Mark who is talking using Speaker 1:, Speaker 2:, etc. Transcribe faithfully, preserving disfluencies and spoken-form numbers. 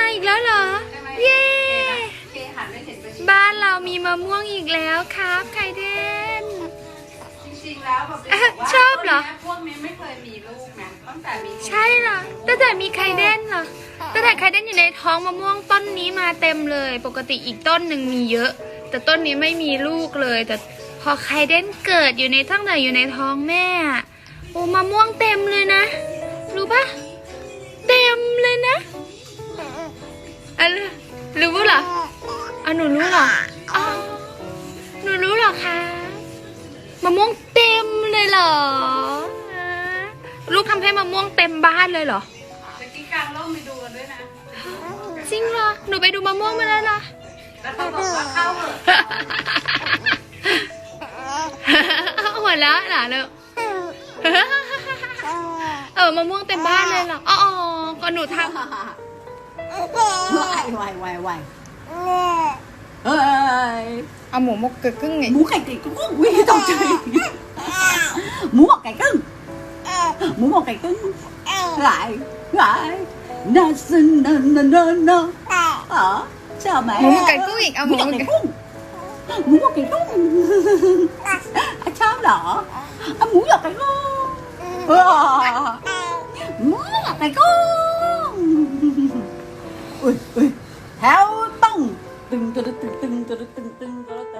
Speaker 1: อีกแล้วเหรอเย้บ้านเรามีมะม่วงอีกแล้วครับไข่เดน
Speaker 2: จริงๆแล้วแบบ
Speaker 1: ชอบเหรอ
Speaker 2: พวกนี้ไม่เคยมีลูกนะตั้งแต่มี
Speaker 1: ใช่เหรอตั้งแต่มีไข่เดนเหรอตั้งแต่ไข่เดนอยู่ในท้องมะม่วงต้นนี้มาเต็มเลยปกติอีกต้นหนึ่งมีเยอะแต่ต้นนี้ไม่มีลูกเลยแต่พอไข่เดนเกิดอยู่ในตั้งแต่อยู่ในท้องแม่โอ้มะม่วงเต็มเลยนะรู้ปะเต็มเลยนะอะไรรู้เหรออ่ะหนูรู้เหรออ๋อหนูรู้เหรอคะมะม่วงเต็มเลยเหรอลูกทำให้มะม่วงเต็มบ้านเลยเหรอ
Speaker 2: จะกินกลางร่มไปดูกันด้วยนะ
Speaker 1: จริงเหรอหนูไปดูมะม่วงมาแล้วเหรอ
Speaker 2: แล้วเขาบอกว่าเข้าเหร
Speaker 1: อหัวเราะเหรอลูกเออมะม่วงเต็มบ้านเลยเหรออ๋อก็หนูทำ
Speaker 2: วายวายวายวายเฮ้ย
Speaker 1: เอาหมูมกเกิดครึ่งไง
Speaker 2: หมูไก่ไก่กุ้งวิ่งตกใจหมูหมกไก่กุ้งหมูหมกไก่กุ้งหลายหลายน่าซึ้งน่าน่าน่าน่าอ๋อชอบไหม
Speaker 1: หมูหมกไก่กุ้งอีกเอาหมูหมกไก่กุ้ง
Speaker 2: หมูหมกไก่กุ้งชอบเหรอหมูหยอกไก่กุ้งหมูหยอกไก่กุ้งอุ้ยอุ้ยแถวต้องตึงตึงตึงตึงตึงตึงตึง